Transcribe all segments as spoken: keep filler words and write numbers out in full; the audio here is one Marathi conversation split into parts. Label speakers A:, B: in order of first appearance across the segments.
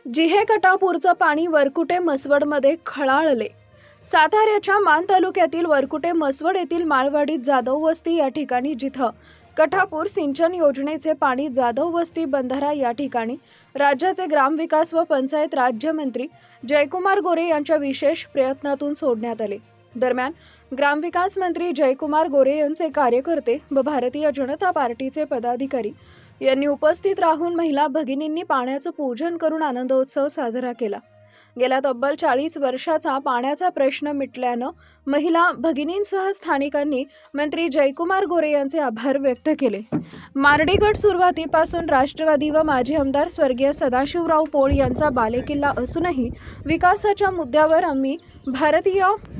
A: जिहे कटापूरचं पाणी वरकुटे मसवडमध्ये खळाळले। साताऱ्याच्या मान तालुक्यातील वरकुटे मसवड येथील माळवाडीत जाधव वस्ती या ठिकाणी जिथं कटापूर सिंचन योजनेचे पाणी जाधव वस्ती बंधारा या ठिकाणी राज्याचे ग्रामविकास व पंचायत राज्यमंत्री जयकुमार गोरे यांच्या विशेष प्रयत्नातून सोडण्यात आले। दरम्यान ग्रामविकास मंत्री जयकुमार गोरे यांचे कार्यकर्ते व भारतीय जनता पार्टीचे पदाधिकारी यांनी उपस्थित राहून महिला भगिनींनी पाण्याचं पूजन करून आनंदोत्सव साजरा केला। गेल्या तब्बल चाळीस वर्षाचा पाण्याचा प्रश्न मिटल्यानं महिला भगिनींसह स्थानिकांनी मंत्री जयकुमार गोरे यांचे आभार व्यक्त केले। मार्डी गट सुरुवातीपासून राष्ट्रवादी व माजी आमदार स्वर्गीय सदाशिवराव पोळ यांचा बालेकिल्ला असूनही विकासाच्या मुद्द्यावर आम्ही भारतीय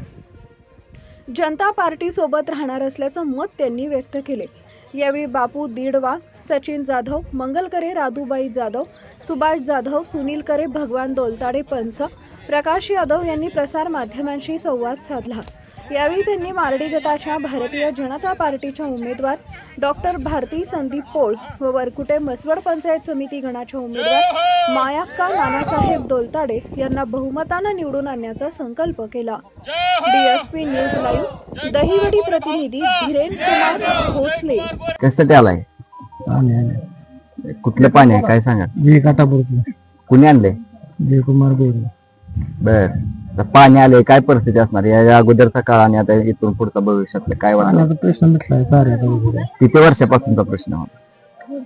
A: जनता पार्टी सोबत राहणार असल्याचं मत त्यांनी व्यक्त केले। यावेळी बापू दीडवा, सचिन जाधव, मंगलकरे, राधुबाई जाधव, सुभाष जाधव, सुनील करे, भगवान दोलताडे पंच, प्रकाश यादव यांनी प्रसार माध्यमांशी संवाद साधला। यावेळी त्यांनी मार्डी गटाच्या भारतीय जनता पार्टीच्या उमेदवार डॉक्टर भारती संदीप पोळ व वरकुटे मसवड पंचायत समिती गणाच्या उमेदवार मायाक्का नानासाहेब दोलताडे यांना बहुमतानं निवडून आणण्याचा संकल्प केला। डीएसपी न्यूज लाईव्ह दहिवडी प्रतिनिधी धीरेन कुमार भोसले।
B: कशासाठी आलाय? कुठलं पाणी आहे काय सांगा?
C: जे कटापूरचं
B: कुणी आणले?
C: जयकुमार गोरे।
B: बर, आता पाणी आले, काय परिस्थिती असणार या अगोदरचा काळ आणि आता इथून पुढचा भविष्यातलं काय वाटतं?
C: पाण्याचा प्रश्न मिटलाय साऱ्याचा वगैरे।
B: किती वर्षापासूनचा प्रश्न होता?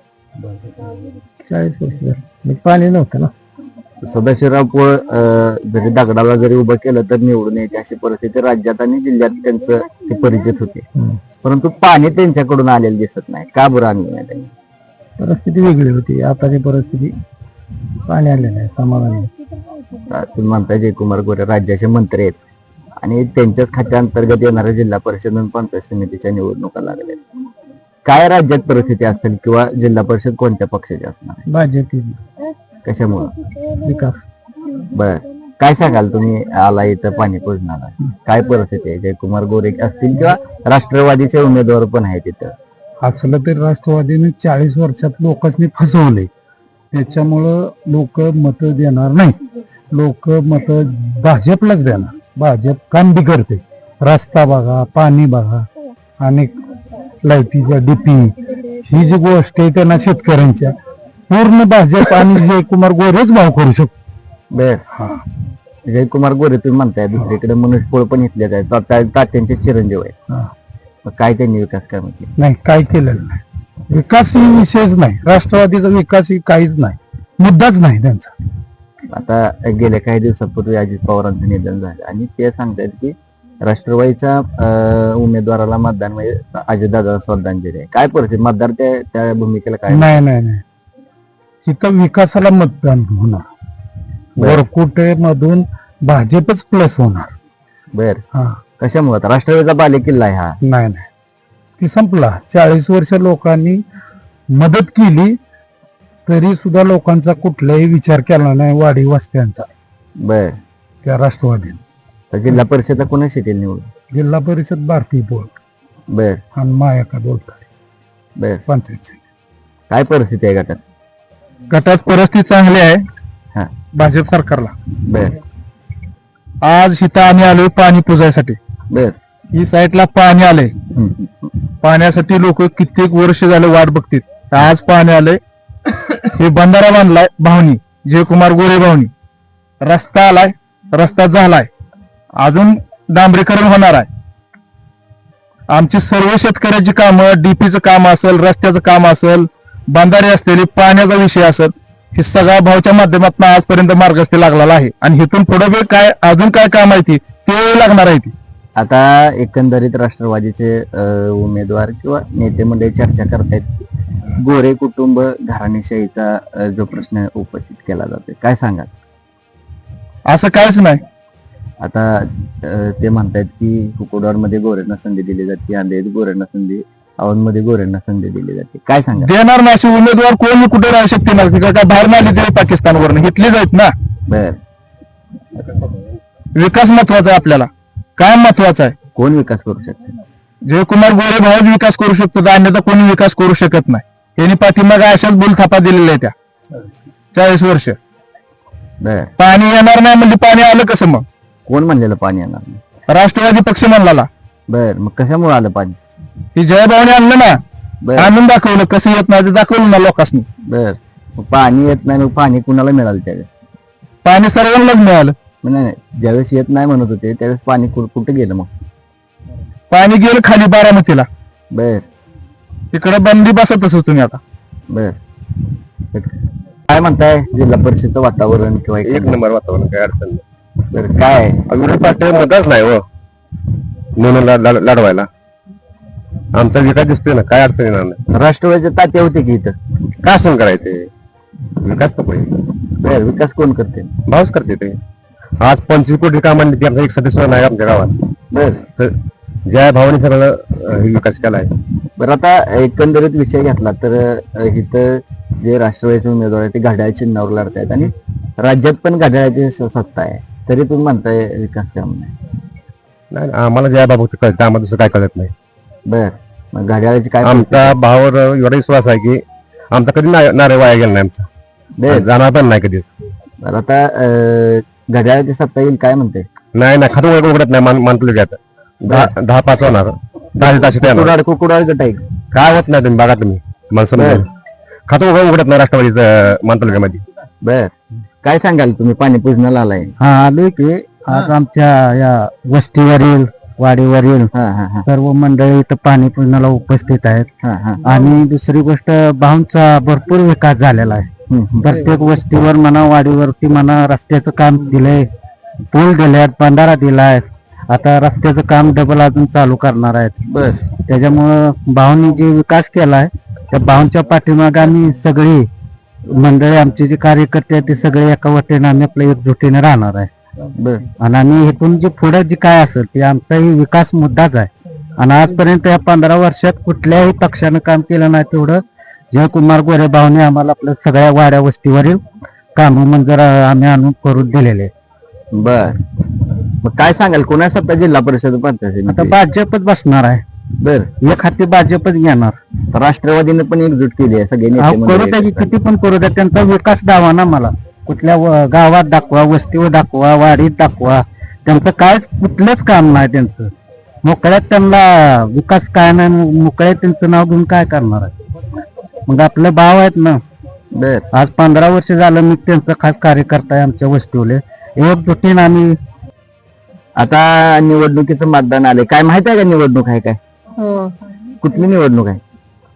C: चाळीस वर्ष झाली पाणी नव्हतं ना।
B: सदाशिवराव पोळ अं, जरी दगडाला जरी उभं केलं तर निवडून यायची अशी परिस्थिती राज्यात आणि जिल्ह्यात त्यांचं ते परिचित होते, परंतु पाणी त्यांच्याकडून आलेलं दिसत नाही। का बरं आणलं नाही त्यांनी?
C: परिस्थिती वेगळी होती, आताची परिस्थिती पाणी आले नाही समाधानी।
B: तुम्ही म्हणताय जयकुमार गोरे राज्याचे मंत्री आहेत आणि त्यांच्याच खात्याअंतर्गत येणाऱ्या जिल्हा परिषद आणि पंचायत समितीच्या निवडणुका लागल्या, काय राज्यात परिस्थिती असेल किंवा जिल्हा परिषद कोणत्या पक्षाची असणार?
C: भाजप।
B: कशामुळे?
C: विकास।
B: बर, काय सांगाल तुम्ही आला इथं पाणी पोचणार काय परिस्थिती आहे? जयकुमार गोरे असतील किंवा राष्ट्रवादीचे उमेदवार पण आहेत तिथं?
C: असलं तरी राष्ट्रवादीने चाळीस वर्षात लोकांनी फसवले, त्याच्यामुळं लोक मत देणार नाही। लोक मत भाजपलाच देणार। भाजप काम बी करते, रस्ता बघा, पाणी बघा, आणि लाईटीचा डीपी, ही जी गोष्ट आहे त्यांना शेतकऱ्यांच्या पूर्ण भाजप आणि जयकुमार गोरेच भाव करू शकतो।
B: बर, जयकुमार गोरे तुम्ही म्हणताय, दुसरीकडे मनुष्य पोळ पण इथले आहेत, तात्यांचे चिरंजीव आहेत, काय त्यांनी विकास काम केला?
C: नाही, काय केलेलं नाही। विकास ही विषयच नाही, राष्ट्रवादीचा विकास ही काहीच नाही, मुद्दाच नाही त्यांचा।
B: आता गेल्या काही दिवसापूर्वी अजित पवारांचं निधन झालं आणि ते सांगतायत की राष्ट्रवादीच्या उमेदवाराला मतदान म्हणजे अजितदादा श्रद्धांजली आहे। काय परिस्थिती? मतदार त्या त्या भूमिकेला काय?
C: नाही नाही नाही, इथं विकासाला मतदान होणार। वरकुटे मधून भाजपच प्लस होणार।
B: बर,
C: हा,
B: कशामुळे? आता राष्ट्रवादीचा बालेकिल्ला आहे हा।
C: नाही नाही, ती संपला। चाळीस वर्ष लोकांनी मदत केली तरी सुद्धा लोकांचा कुठलाही विचार केला नाही वाडी वस्त्यांचा।
B: बर,
C: त्या राष्ट्रवादीने
B: जिल्हा परिषदला कोणा शिटेल निवडून?
C: जिल्हा परिषद भारती पोळ
B: बर,
C: आणि मायाका दोलताडे
B: बर,
C: पंचायत।
B: काय परिस्थिती आहे गटात?
C: गटात परिस्थिती चांगली आहे
B: हा,
C: भाजप सरकारला।
B: बर,
C: आज इथं आम्ही आलोय पाणी पुजायसाठी।
B: बर,
C: ही साईडला पाणी आले,
B: हम्म,
C: पाण्यासाठी लोक कित्येक वर्ष झाले वाट बघतील। आज पाणी आले, हे बंधारा बांधलाय भावनी, जयकुमार गोरे भावनी, रस्ता आलाय, रस्ता झालाय, अजून डांबरीकरण होणार आहे। आमची सर्व शेतकऱ्याची कामं, डीपीचं काम असेल, रस्त्याचं काम असेल, बांधारे असलेली पाण्याचा विषय असेल, हे सगळ्या भावच्या माध्यमातून आजपर्यंत मार्गस्थी लागलेला आहे आणि इथून पुढे बी काय अजून काय काम आहे ती ते लागणार आहे ती।
B: आता एकंदरीत राष्ट्रवादीचे उमेदवार किंवा नेते मंडळी चर्चा करतायत, गोरे कुटुंब घराणेशाहीचा जो प्रश्न उपस्थित केला जातोय, काय सांगाल?
C: असं काहीच नाही।
B: आता ते म्हणतायत की कुकुडवाड मध्ये गोरेंना संधी दिली जाते, अंधेरीत गोरेंना संधी, औंधमध्ये गोरेंना संधी दिली जाते, काय सांगा?
C: देणार ना, असे उमेदवार कोणी कुठे राहू शकते ना, काय बाहेर नाही आली तरी पाकिस्तानवरून इथलीच आहेत ना।
B: बर,
C: विकास महत्वाचा आहे आपल्याला। काय महत्वाचं आहे?
B: कोण विकास करू शकते?
C: जयकुमार गोरे भाऊच विकास करू शकतो, अन्यथा कोणी विकास करू शकत नाही। यांनी पाठीमागे अशाच बोलथापा दिलेल्या आहेत त्या चाळीस वर्ष।
B: बर
C: पाणी येणार नाही म्हणजे पाणी आलं कसं मग?
B: कोण म्हणलेलं पाणी येणार नाही?
C: राष्ट्रवादी पक्ष म्हणला
B: बर मग कशामुळे आलं पाणी?
C: ही जयभावने आणलं ना,
B: बर
C: आणून दाखवलं कसं येत नाही ते दाखवलं ना लोकांनी.
B: बर मग पाणी येत नाही, मग पाणी कुणाला मिळालं त्यावेळेस?
C: पाणी सर्वांनाच मिळालं.
B: मग नाही नाही, ज्यावेळेस येत नाही म्हणत होते त्यावेळेस पाणी कु- कुठं गेलं मग?
C: पाणी गेलं खाली बारामतीला,
B: बर
C: तिकडे बंदी बसतच होतो तुम्ही आता.
B: बर काय म्हणताय जिल्हा परिषदचं वातावरण किंवा
D: एक
B: एक
D: नंबर वातावरण काय अडचण नाही.
B: बर काय
D: विरोधी पार्टी मतच नाही हो म्हणून लढ- लढ- लढवायला आमचा विकास दिसतोय ना, काय अडचण येणार नाही.
B: राष्ट्रवादीचे तात्या होते की इथं?
D: काय असं करायचे विकास नको
B: बर विकास कोण करते?
D: भाऊच करते ते. आज पंचवीस कोटी कामांनी की आमचा एक सदस्य नाही आमच्या गावात,
B: बर
D: तर ज्या भावाने सगळं अं, हे विकास केला आहे.
B: बरं आता एकंदरीत विषय घेतला तर अ, इथं जे राष्ट्रवादीचे उमेदवार आहेत ते घड्याळ चिन्हावर लढतायत आणि राज्यात पण घड्याळाची स- सत्ता आहे, तरी तुम्ही म्हणताय विकास काम नाही.
D: नाही नाही, आम्हाला ज्या बाबत कळतं आम्हाला दुसरं काय कळत नाही.
B: बर मग घड्याळाची काय
D: आमचा भावावर एवढा विश्वास आहे की आमचा कधी ना- नारे वाया गेला नाही आमचा,
B: बर
D: जाणार पण नाही कधी.
B: बरं आता अ, घड्याळाची सत्ता येईल काय म्हणते?
D: नाही नाही खातं उघड- उघडत नाही मान मानतो घ्यायचं दहा दहा पाच होणार दहा ताशी येणार.
B: कुकुडाळ कुकुडाळ गट आहे.
D: काय होत नाही तुम्ही बघा तुम्ही माणसं
B: बर.
D: खातं उघड उघडत नाही राष्ट्रवादीचं मानतालुक्यामध्ये.
B: बर काय सांगाल तुम्ही पाणी पूजनाला आलाय?
E: हा आलोय की आज आमच्या या वस्तीवरील वाडीवरील
B: हा हा हा
E: सर्व मंडळी इथं पाणी पूजनाला उपस्थित आहेत.
B: हा हा
E: आणि दुसरी गोष्ट भाऊंचा भरपूर विकास झालेला आहे.
B: हम्म, हम्म.
E: प्रत्येक वस्तीवर म्हणा वाडीवरती म्हणा रस्त्याचं काम दिलंय, पूल दिलेत, बंधारा दिलाय. आता रस्त्याचं काम डबल अजून चालू करणार आहेत.
B: बर
E: त्याच्यामुळं भाऊंनी जे विकास केलाय त्या भाऊंच्या पाठीमागे आम्ही सगळी मंडळी आमचे जे कार्यकर्ते आहेत ते सगळे एका वटेने आम्ही आपल्या एकजुटीने राहणार आहे.
B: बर
E: आणि आम्ही इथून जे पुढे जे काय असेल ते आमचाही विकास मुद्दाच आहे. आणि आजपर्यंत या पंधरा वर्षात कुठल्याही पक्षानं काम केलं नाही तेवढं जयकुमार गोरे भाऊने आम्हाला आपल्या सगळ्या वाड्या वस्तीवरील काम मंजूर आम्ही आणून करून दिलेले.
B: बर मग काय सांगाल कोणा सत्ता जिल्हा परिषद पंचायत
E: आता
B: समिती?
E: भाजपच बसणार आहे.
B: बर
E: एक हाती भाजपच घेणार.
B: तर राष्ट्रवादीने पण एकजूट केली आहे सगळे नेते
E: अहो, करू
B: मंडळी.
E: त्याची किती पण करू द्या, त्यांचा विकास दावा ना मला कुठल्या व- गावात दाखवा, वस्तीवर दाखवा, वाडीत दाखवा. त्यांचं काय कुठलंच काम नाही त्यांचं. मोकळ्यात त्यांना विकास काय नाही, मोकळ्यात त्यांचं नाव घेऊन काय करणार आहे. मग आपले भाव आहेत ना.
B: बर
E: आज पंधरा वर्ष झालं मी त्यांचा खास कार्यकर्ता आहे आमच्या वस्तीवले. एकजुटीने आम्ही
B: आता निवडणुकीचं मतदान आले काय माहित आहे का निवडणूक आहे काय?
F: हो
B: कुठली निवडणूक आहे?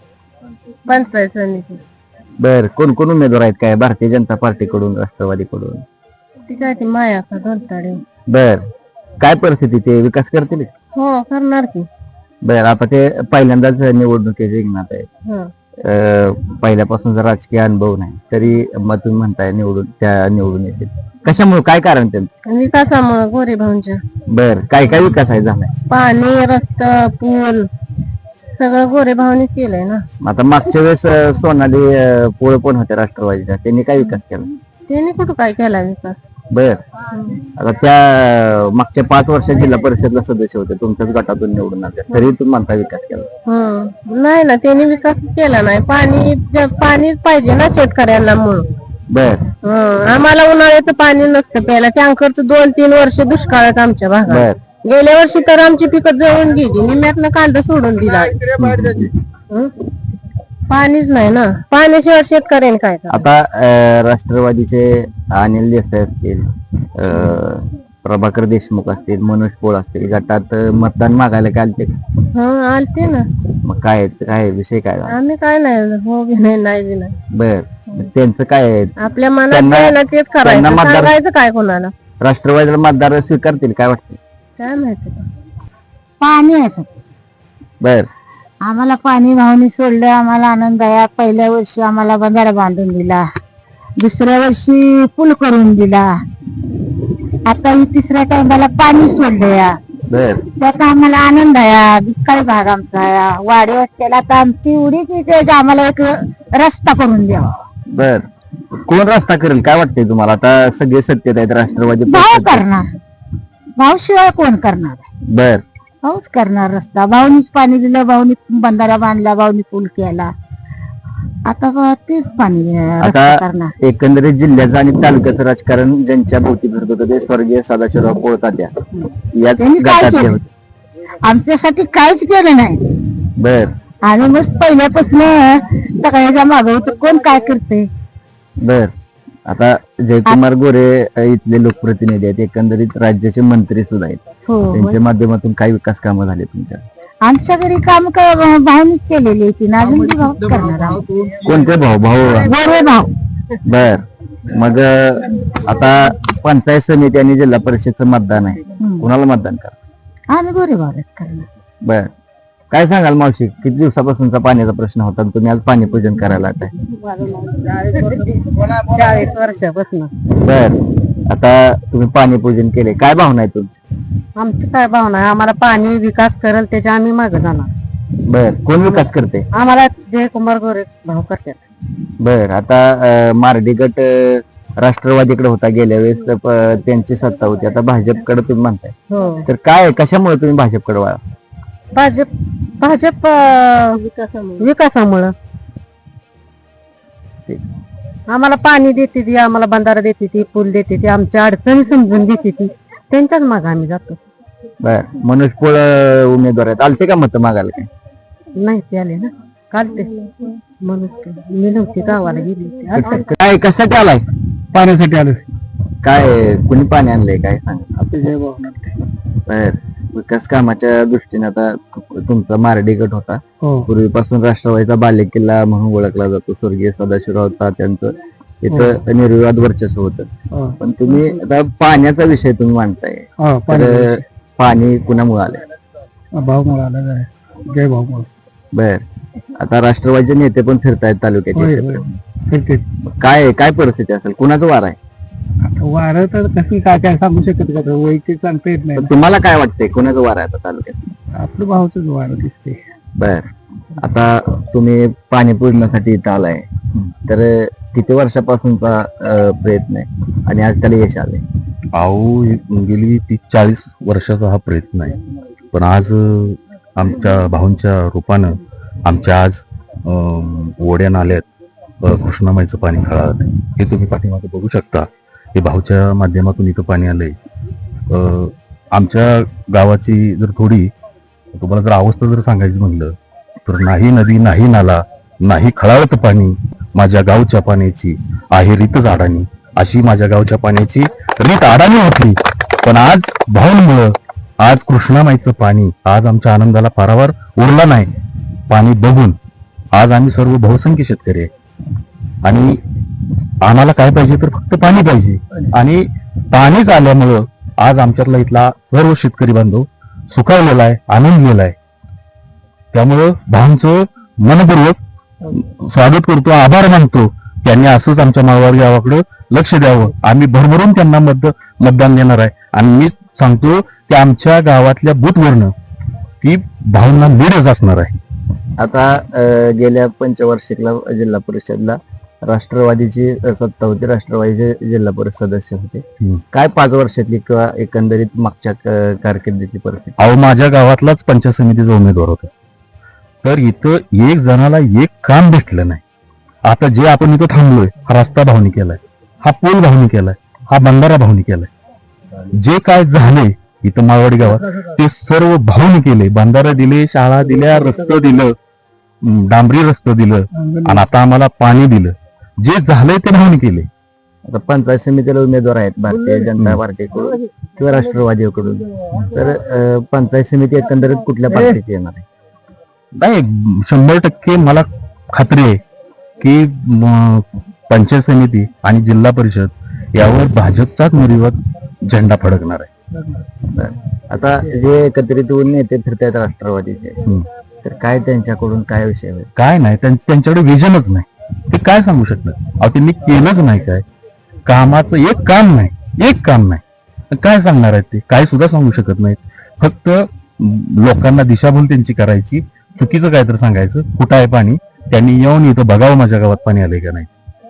F: पंचायत समिती
B: बर कोण कोण उमेदवार आहेत काय भारतीय जनता पार्टीकडून राष्ट्रवादीकडून?
F: ती काय ती माया का दोनताडे
B: बर काय परिस्थिती ते विकास करतील?
F: हो करणार की
B: बर आता ते पहिल्यांदाच निवडणुकीचे रिंगणात आहे.
F: हो
B: अं, पहिल्यापासून जर राजकीय अनुभव नाही तरी मग तुम्ही म्हणताय निवडून त्या निवडून येतील कशामुळे काय कारण त्यांचं?
F: विकासामुळे गोरे भाऊंच्या
B: बर काय काय विकास आहे झालाय?
F: पाणी रस्ता पूल सगळं गोरे भाऊनी केलंय ना.
B: आता मागच्या वेळेस अं, सोनाली अं, पोळ पण होत्या राष्ट्रवादीच्या त्यांनी काय विकास केला?
F: त्यांनी कुठं काय केला विकास.
B: बर आता त्या अं, मागच्या पाच वर्षात जिल्हा परिषदला सदस्य होते तुमच्याच गटातून निवडून आले तरी तुम्ही म्हणता विकास केला?
F: हं नाही ना त्यांनी विकास केला नाही. पाणी ज- पाणीच पाहिजे ना शेतकऱ्यांना म्हणून.
B: बर
F: हं आम्हाला उन्हाळ्याचं पाणी नसतं प्यायला. टँकरचं दोन तीन वर्ष दुष्काळ आहेत आमच्या भागात.
B: बर
F: गेल्या वर्षी तर आमची पिकं जळून गेली, निम्म्यातनं कांदा सोडून दिला. हं? पाणीच नाही ना. पाण्याशिवाय शेतकऱ्यांनी काय करायचं?
B: आता अं, राष्ट्रवादीचे अनिल देसाई असतील अं, प्रभाकर देशमुख असतील मनोज पोळ असतील गटात अं, मतदान मागायला काय आलते?
F: हं आलते ना.
B: मग काय काय विषय काय झाला?
F: आम्ही काय नाही हो बी नाही नाही बी नाही.
B: बर मग त्यांचं काय आहे?
F: आपल्या मनात
B: त्यांना-
F: काय ना तेच करायचं.
B: त्यांना मतदार-
F: सांगायचं काय कोणाला
B: राष्ट्रवादीला मतदार स्वीकारतील काय वाटतं?
F: काय माहिती.
E: पाणी आहे.
B: बर
E: आम्हाला पाणी भावनी सोडलं, आम्हाला आनंद आहे. पहिल्या वर्षी आम्हाला बंधारा बांधून दिला, दुसऱ्या वर्षी पूल करून दिला, आता ही तिसऱ्या टाइमाला पाणी सोडलं या.
B: बर
E: त्याचा आम्हाला आनंद आहे. दुष्काळी भाग आमचा आहे. वाडी वस्त्याला आता आमची एवढीच इथे आहे की आम्हाला एक रस्ता करून द्यावा.
B: बर कोण रस्ता करेल काय वाटतंय तुम्हाला? आता सगळे सत्तेत आहेत राष्ट्रवादी
E: भाऊ
B: पक्ष.
E: करणार, भाऊ शिवाय कोण करणार?
B: बर
E: भाऊच करणार रस्ता. भाऊनीच पाणी दिलं, भाऊनी बंधारा बांधला, भाऊनी पूल केला.
F: आता ब- तेच पाणी अं, रस्ता
B: आता
F: करणार.
B: एकंदरीत जिल्ह्याचं आणि तालुक्याचं राजकारण ज्यांच्या भोवती फिरत होतं ते स्वर्गीय सदाशिवराव कोळतात्या याच
F: त्यांनी काय
B: गटातले
F: केलं?
B: होते.
F: आमच्यासाठी काहीच केलं नाही.
B: बर
F: आणि मग पहिल्यापासून सगळ्याच्या मागं होतं कोण काय करते.
B: बर आता जयकुमार गोरे अ, इथले लोकप्रतिनिधी आहेत, एकंदरीत राज्याचे मंत्री सुद्धा आहेत.
F: हो
B: त्यांच्या माध्यमातून काही विकास कामं झाले तुमच्या?
F: आमच्या घरी काम भावनीच केलेली होती ना, अजून बी भाऊच करणार आहोत.
B: कोणते भाऊ भाऊ
F: गोरे भाऊ.
B: बर मग अ, आता पंचायत समिती आणि जिल्हा परिषदचं मतदान आहे,
F: हम्म.
B: कुणाला मतदान करा?
F: आम्ही गोरे भाऊच करणार.
B: बर काय सांगाल मावशी, किती दिवसापासूनचा पाण्याचा प्रश्न होता आणि तुम्ही आज पाणी पूजन करायला आलाय?
F: चाळीस वर्षापासून
B: बर आता तुम्ही पाणी पूजन केले, काय भावना आहे तुमची?
F: आमची काय भावना आहे, आम्हाला पाणी विकास करेल त्याच्या आम्ही मागे जाणार.
B: बर कोण विकास करते?
F: आम्हाला जयकुमार गोरे भाऊ करतात.
B: बर आता अ, मारडी गट अ, राष्ट्रवादीकडे होता गेल्या वेळेस, तर प- त्यांची सत्ता होती, आता भाजपकडे तुम्ही म्हणताय,
F: हो
B: तर काय कशामुळे तुम्ही भाजपकडे वळा?
F: भाजप भाजप अं, विकासामुळं आम्हाला पाणी देते ती, आम्हाला बंधारा देते ती, पूल देते ती, आमच्या अडचणी समजून देते ती, त्यांच्याच मागे आम्ही जातो.
B: बर मनोज पोळ अ, उमेदवार आहेत, आलते का मत मागायला काय?
F: नाही ते आले ना काल ते म्हणून ते. मी नव्हती गावाला गेली होती. आता
B: काय कशासाठी आलाय?
C: पाण्यासाठी आलो
B: काय कुणी पाणी आणलंय काय सांग? बर विकास कामाच्या दृष्टीने आता तुमचा मारडी गट होता,
C: हो
B: पूर्वीपासून राष्ट्रवादीचा बालेकिल्ला म्हणून ओळखला जातो, स्वर्गीय सदाशिवराव तात्यांचं इथं निर्विवाद वर्चस्व होतं.
C: हो,
B: पण तुम्ही आता पाण्याचा विषय तुम्ही मांडताय,
C: हो,
B: तर पाणी कुणामुळे आलंय?
C: भाऊ मला आला जाय जय भाऊ मला
B: बर आता राष्ट्रवादीचे नेते पण फिरतायत तालुक्यात,
C: होय,
B: इथे. काय काय परिस्थिती असेल, कुणाचं वार आहे?
C: वारं तर कसं काय काय सांगू शकत का वैयक्तिक सांगता येत नाही
B: तर तुम्हाला काय वाटतंय कुणाचं वार आहे आता तालुक्यात?
C: आपलं भाऊच वारं दिसते.
B: बर आता तुम्ही पाणी पूजण्यासाठी इथं आलाय, तर किती वर्षापासूनचा अ, प्रयत्न आहे आणि आज त्याला यश आलंय?
G: अहो गेली तीस चाळीस वर्षाचा हा प्रयत्न आहे, पण आज अं, आमच्या भाऊंच्या रूपानं आमच्या आज अं, ओढ्या नाल्यात अं, कृष्णामाईचं पाणी खळाळत आहे. हे तुम्ही पाठीमागे बघू शकता. हे भाऊच्या माध्यमातून इथं पाणी आलंय. अं, आमच्या गावाची जर थोडी तुम्हाला जर अवस्था जर सांगायची म्हणलं तर नाही नदी नाही नाला नाही खळाळत पाणी, माझ्या गावच्या पाण्याची आहे रीत झाडानी, अशी माझ्या गावच्या पाण्याची रीत अडाणी होती. पण आज भाऊंमुळं आज कृष्णामाईचं पाणी आज आमच्या आनंदाला पारावार उरला नाही. पाणी बघून आज आम्ही सर्व बहुसंख्य शेतकरी आहे आणि आम्हाला काय पाहिजे तर फक्त पाणी पाहिजे, आणि पाणीच आल्यामुळं आज आमच्यातला इथला सर्व शेतकरी बांधव सुखावलेला आहे, आनंदलेला आहे. त्यामुळं भाऊंचं मनपूर्वक स्वागत करतो, आभार मानतो. त्यांनी असंच आमच्या माळवाडी गावाकडे लक्ष द्यावं. आम्ही भरभरून त्यांना मत मतदान देणार आहे आणि मी सांगतो की आमच्या गावातल्या बूथवरनं ती भावना लीडच असणार आहे.
B: आता अ, गेल्या पंचवार्षिकला जिल्हा परिषदला राष्ट्रवादीची अ, सत्ता होती, राष्ट्रवादीचे जिल्हा परिषद सदस्य होते.
G: हम्म.
B: काय पाच वर्षातली किंवा एकंदरीत मागच्या क- कारकिर्दीची परिस्थिती?
G: अहो माझ्या गावातलाच पंचायत समितीचा उमेदवार होता, तर इथं एक जणाला एक काम भेटलं नाही. आता जे आपण इथं थांबलोय, हा रस्ता भावनी केलाय, हा पूल भावनी केलाय, हा बंधारा भावनी केलाय. जे काय झाले इथं माळवाडी गावात ते सर्व भावनी केले. बंधारा दिले, शाळा दिल्या, रस्तं दिलं, अं, डांबरी रस्तं दिलं, आणि आता आम्हाला पाणी दिलं. जे झालंय ते भावनी केले.
B: आता पंचायत समितीला उमेदवार आहेत भारतीय जनता पार्टीकडून किंवा राष्ट्रवादीकडून, तर अ, पंचायत समिती एकंदरीत कुठल्या पार्टीची येणार आहे?
G: नाही, शंभर टक्के मला खात्री आहे की म, पंचायत समिती आणि जिल्हा परिषद यावर भाजपचाच निर्विवाद झेंडा फडकणार आहे.
B: आता जे एकत्रित होऊन नेते फिरतायत राष्ट्रवादीचे,
G: हम्म.
B: तर काय त्यांच्याकडून काय विषय होईल?
G: काय नाही, त्यां- त्यांच्याकडे विजनच नाही. ते काय सांगू शकतात? अहो त्यांनी केलंच नाही, काय कामाचं एक काम नाही, एक काम नाही. काय सांगणार आहेत ते? काय सुद्धा सांगू शकत नाहीत. फक्त म, लोकांना दिशाभूल त्यांची करायची, चुकीचं काय तर सांगायचं, कुठं आहे पाणी, त्यांनी येऊन इथं बघावं माझ्या गावात पाणी आलंय का नाही.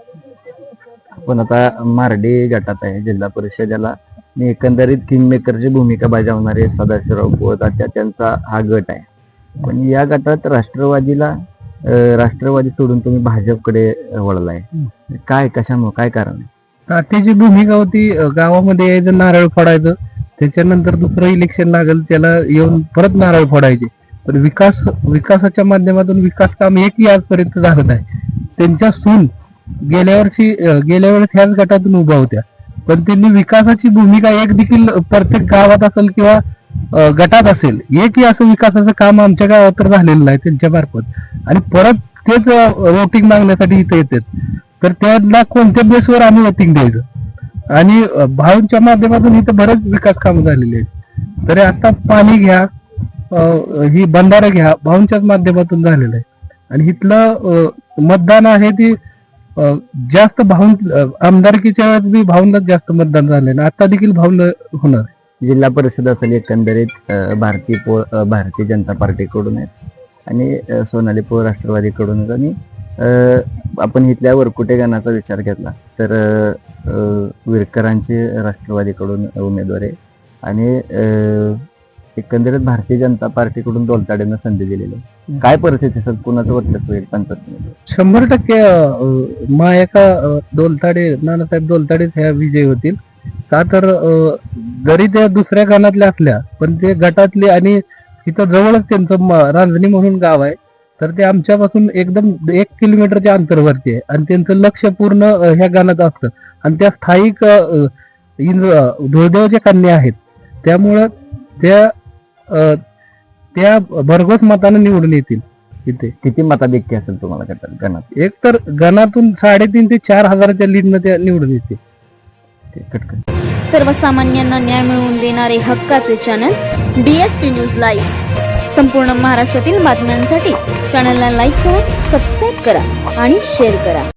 B: पण आता मारडी गटात आहे जिल्हा परिषदेला, आणि एकंदरीत किंगमेकरची भूमिका बजावणारे सदाशिवराव कोळतात्या त्यांचा हा गट आहे. पण या गटात राष्ट्रवादीला अं, राष्ट्रवादी सोडून तुम्ही भाजपकडे वळलाय. काय कशामुळे काय कारण आहे?
C: तात्याची भूमिका होती अ, गावामध्ये यायचं नारळ फोडायचं, त्याच्यानंतर दुसरं इलेक्शन लागेल त्याला येऊन परत नारळ फोडायचे. पण विकास विकासाच्या माध्यमातून विकास काम एकही आजपर्यंत झालं नाही. त्यांच्या सून गेल्या वर्षी अ, गेल्या वेळेस ह्याच गटातून उभा होत्या, पण त्यांनी विकासाची भूमिका एक देखील प्रत्येक गावात असेल किंवा अ, गटात असेल एकही असं विकासाचं काम आमच्या गावात तर झालेलं नाही त्यांच्या मार्फत. आणि परत तेच वोटिंग मागण्यासाठी इथे येतात, तर त्यांना कोणत्या बेसवर आम्ही वोटिंग द्यायचं. आणि अ, भाऊंच्या माध्यमातून इथं बरेच विकास कामं झालेली आहेत. तरी आता पाणी घ्या, अ, ही बंधारा घ्या, भाऊंच्याच माध्यमातून झालेलं आहे. आणि इथलं अ, मतदान आहे ती अ, जास्त भाऊन अ, आमदारकीच्या वेळेस बी भाऊंनाच जास्त मतदान झालेलं, आता देखील भाऊन होणार.
B: जिल्हा परिषद असेल एकंदरीत अं, भारतीय पो अं, भारतीय जनता पार्टीकडून आहेत आणि अं, सोनाली पो राष्ट्रवादीकडून आहेत. आणि अं, आपण इथल्या वरकुटे गणाचा विचार घेतला तर अं, विरकरांची राष्ट्रवादीकडून उमेदवार आहे आणि अं, एकंदरीत भारतीय जनता पार्टीकडून दोलताडेंना संधी दिलेली आहे. काय परिस्थिती असेल, कुणाचं वर्चस्व होईल पंचायत समितीवर?
C: शंभर टक्के अ, महाएका अ, दोलताडे नानासाहेब दोलताडेच ह्या विजयी होतील. का तर अ, जरी त्या दुसऱ्या गणातल्या असल्या पण ते गटातले आणि तिथं जवळच त्यांचं म- रांजणी म्हणून गाव आहे, तर ते आमच्यापासून एकदम एक किलोमीटरच्या अंतरावरती आहे आणि त्यांचं लक्ष पूर्ण अ, ह्या गाण्यात असतं. आणि त्या स्थायिक अ, इंद्र धुळदेवच्या कन्या आहेत, त्यामुळं त्या अ, त्या भरघोस मतानं निवडून येतील. इथे
B: किती मताधिक्य असेल तुम्हाला गटात गणात?
C: एक तर गणातून साडेतीन ते चार हजाराच्या लीडनं त्या निवडून येते.
B: ते कटकन.
H: सर्वसामान्यांना न्याय मिळवून देणारे हक्काचे चॅनल डीएसपी न्यूज लाईव्ह. संपूर्ण महाराष्ट्रातील बातम्यांसाठी चॅनलला लाईक करा, सबस्क्राईब करा आणि शेअर करा.